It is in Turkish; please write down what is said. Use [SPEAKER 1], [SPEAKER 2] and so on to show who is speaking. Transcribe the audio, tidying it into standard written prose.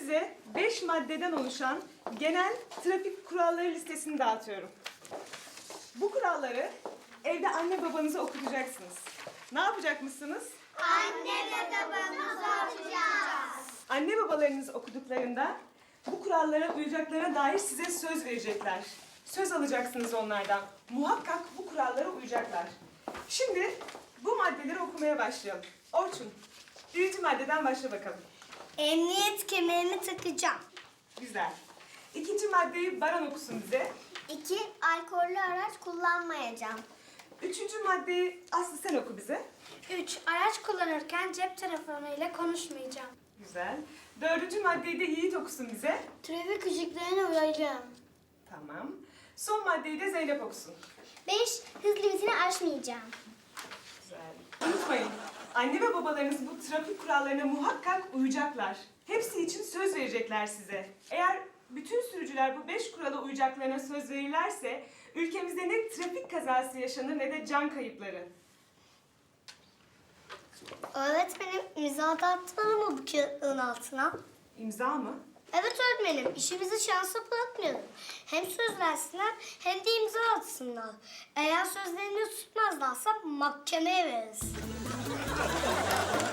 [SPEAKER 1] size 5 maddeden oluşan genel trafik kuralları listesini dağıtıyorum. Bu kuralları evde anne babanıza okutacaksınız. Ne yapacakmışsınız?
[SPEAKER 2] Anne ve babamızı okuyacağız.
[SPEAKER 1] Anne babalarınız okuduklarında bu kurallara uyacaklarına dair size söz verecekler. Söz alacaksınız onlardan. Muhakkak bu kurallara uyacaklar. Şimdi bu maddeleri okumaya başlayalım. Orçun, birinci maddeden başla bakalım.
[SPEAKER 2] Emniyet kemerimi takacağım.
[SPEAKER 1] Güzel. İkinci maddeyi Baran okusun bize.
[SPEAKER 2] 2. Alkollü araç kullanmayacağım.
[SPEAKER 1] Üçüncü maddeyi Aslı sen oku bize.
[SPEAKER 3] 3. Araç kullanırken cep telefonuyla konuşmayacağım.
[SPEAKER 1] Güzel. Dördüncü maddeyi de Yiğit okusun bize.
[SPEAKER 3] Trafik ışıklarına uyacağım.
[SPEAKER 1] Tamam. Son maddeyi de Zeynep okusun.
[SPEAKER 2] 5. Hız limitini aşmayacağım.
[SPEAKER 1] Güzel. Unutmayın, anne ve babalarınız bu trafik kurallarına muhakkak uyacaklar. Hepsi için söz verecekler size. Eğer bütün sürücüler bu 5 kurala uyacaklarına söz verirlerse ülkemizde ne trafik kazası yaşanır ne de can kayıpları.
[SPEAKER 2] Öğretmenim imza da atmalı mı bu kağıtların altına?
[SPEAKER 1] İmza mı?
[SPEAKER 2] Evet öğretmenim, işimizi şansa bırakmayalım. Hem söz versinler hem de imza atsınlar. Eğer sözlerini tutmazlarsa mahkemeye veririz.